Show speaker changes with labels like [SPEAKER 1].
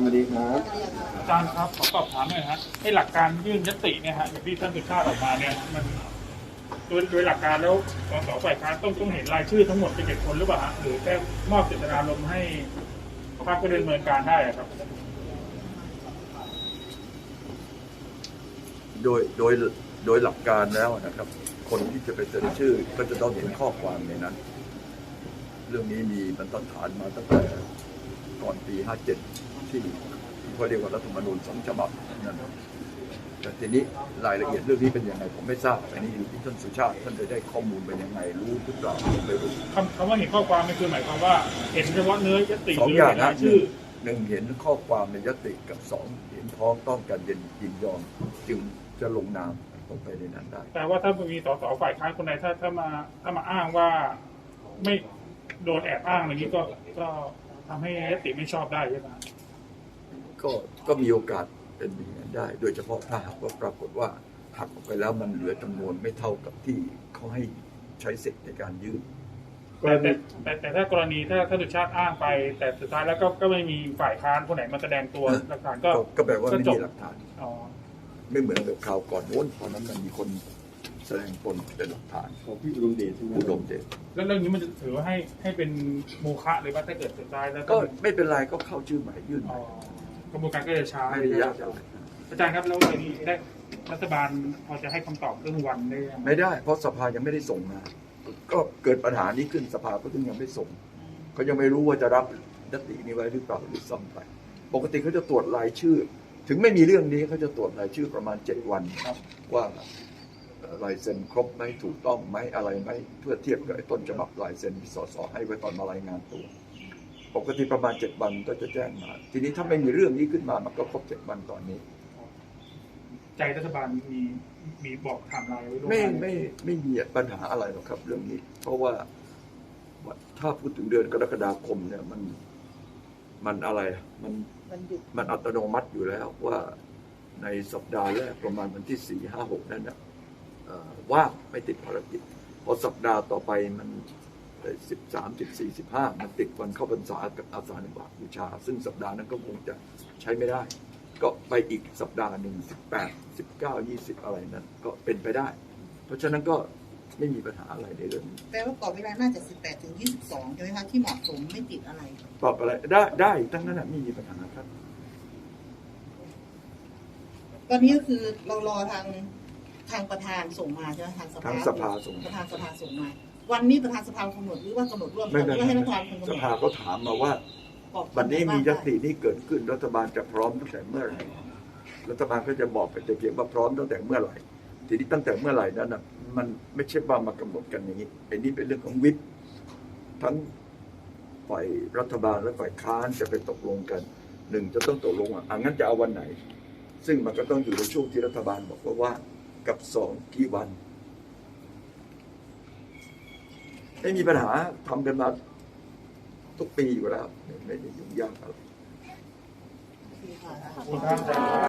[SPEAKER 1] วัสดีครับ
[SPEAKER 2] อาจารย์ครับขอสอบถามหน่อยฮะไอ้หลักการยื่นยติเนี่ยฮะอย่างที่ท่านสุชาติออกมาเนี่ยมันโดยหลักการแล้วสสฝ่ายค้านต้องเห็นรายชื่อทั้งหมดเป็น7 คนหรือเปล่าฮะหรือแค่มอบเจตนารมณ์ให้พรรคก็ดำเนินการได้ครับ
[SPEAKER 3] โดยหลักการแล้วนะครับคนที่จะไปเซ็นชื่อก็จะต้องเห็นข้อความในนั้นเรื่องนี้มีบรรทัดฐานมาตั้งแต่ก่อนปี 57 ที่เขาเรียกว่ารัฐธรรมนูญ2 ฉบับนั่นแต่ทีนี้รายละเอียดเรื่องนี้เป็นยังไงผมไม่ทราบอันนี้อยู่ที่ท่านสุชาติท่านจะได้ข้อมูลเป็นยังไงรู้หรือเปล่าไม่รู้
[SPEAKER 2] คำว่าเห็นข้อความนี่คือหมายความว่าเห็นเฉพาะเนื้อยติ
[SPEAKER 3] 2 อย่างนะ
[SPEAKER 2] ชื่อ
[SPEAKER 3] หนึ่งเห็นข้อความในยติกับ2เห็นพ้องต้องกันยินยอมจึงจะลงนามลงไปในนั้นได้
[SPEAKER 2] แต่ว่าถ้ามีสสฝ่ายค้านคนใดถ้ามาอ้างว่าไม่โดนแอบอ้างอะไรนี้ก็ทำให้ยติไม่ชอบได้ใช่ไหม
[SPEAKER 3] ก็มีโอกาสเป็นอย่างนั้นได้โดยเฉพาะถ้าหากว่าปรากฏว่าหักออกไปแล้วมันเหลือจำนวนไม่เท่ากับที่เขาให้ใช้สิทธิ์ในการยื่น
[SPEAKER 2] แต่ถ้ากรณีถ้าสุชาติอ้างไปแต่สุดท้ายแล้วก็ไม่มีฝ่ายค้านคนไหนมาแสดงตัวหลักฐาน
[SPEAKER 3] ก็แปลว่าไม่มีหลักฐาน ไม่เหมือนกับข่าวก่อนโน้นตอนนั้นมันมีคนแสดงตนเป็นหลักฐาน
[SPEAKER 1] ของพี่อุดมเดชใช่ไหม
[SPEAKER 3] อุดมเดช
[SPEAKER 2] แล้วเรื่องนี้มันจะถือว่าให้เป็นโมฆะหรือว่าถ้าเกิดสุดท้ายแล้ว
[SPEAKER 3] ก็ไม่เป็นไรก็เข้าชื่อใหม่ยื่น
[SPEAKER 2] กระบวนการก็จะช้า
[SPEAKER 3] ไม่ได้ยากอะไร
[SPEAKER 2] อาจารย์ครับแล้วในนี้ได้รัฐบาลพอจะให้คำตอบเรื่องวันได้
[SPEAKER 3] ไม่ได้เพราะสภายังไม่ได้ส่งมาก็เกิดปัญหานี้ขึ้นสภาก็ถึงยังไม่ส่งเขายังไม่รู้ว่าจะรับยตินี้ไว้หรือเปล่าหรือซ้ำไปปกติเขาจะตรวจรายชื่อถึงไม่มีเรื่องนี้เขาจะตรวจรายชื่อประมาณ7 วันว่าลายเซ็นครบไหมถูกต้องไหมอะไรไหมเพื่อเทียบกับต้นฉบับลายเซ็นที่สสให้ไว้ตอนมารายงานตัวปกติประมาณ7 วันก็จะแจ้งมาทีนี้ถ้าไม่มีเรื่องนี้ขึ้นมามันก็ครบ7 วันตอนนี้
[SPEAKER 2] ใจรัฐบาลมีบอกไทม์ไลน์ไว้
[SPEAKER 3] ไม่มีปัญหาอะไรหรอกครับเรื่องนี้เพราะว่าถ้าพูดถึงเดือนกรกฎาคมเนี่ยมันอะไรมันอัตโนมัติอยู่แล้วว่าในสัปดาห์แรกประมาณวันที่ 4, 5, 6 นั่นนะว่างไม่ติดภารกิจพอสัปดาห์ต่อไปมัน13, 14, 15มันติดวันเข้าพรรษากับอาสาฬหบูชาซึ่งสัปดาห์นั้นก็คงจะใช้ไม่ได้ก็ไปอีกสัปดาห์หนึ่ง18, 19, 20อะไรนั้นก็เป็นไปได้เพราะฉะนั้นก็ไม่มีปัญหาอะไรในเรื่องนี้
[SPEAKER 4] แปลว่ากรอบเวลาน่าจะ18 ถึง 22ใช่ไหมคะที่เหมาะสมไม่ติดอะไร
[SPEAKER 3] ตอบอะไรได้ทั้งนั้นไม่มีปัญหาครับ
[SPEAKER 4] ตอนนี้ก็คือเรารอทางประธานส่งมาใช่ไหมทาง
[SPEAKER 3] สภาส่ง
[SPEAKER 4] ประธานสภาส่งมาวันนี้ประธานสภากำหนดหรือว่ากำหนดร่วมกันหรือว่าให้รัฐบาลกำหนด
[SPEAKER 3] สภาเขาถามมาว่าวันนี้มียตินี้เกิดขึ้นรัฐบาลจะพร้อมตั้งแต่เมื่อไหร่รัฐบาลก็จะบอกไปแต่เพียงว่าพร้อมตั้งแต่เมื่อไหร่ทีนี้ตั้งแต่เมื่อไหร่นั้นนะมันไม่ใช่ว่ามากำหนดกันอย่างนี้ไอ้นี่เป็นเรื่องของวิปทั้งฝ่ายรัฐบาลและฝ่ายค้านจะไปตกลงกัน1จะต้องตกลงงั้นจะเอาวันไหนซึ่งมันก็ต้องอยู่ในช่วงที่รัฐบาลบอกว่ากับ2กี่วันไม่มีปัญหาทำกันมาทุกปีอยู่แล้วไม่ได้ยุ่งยากอะไร
[SPEAKER 2] ขอบคุณครับ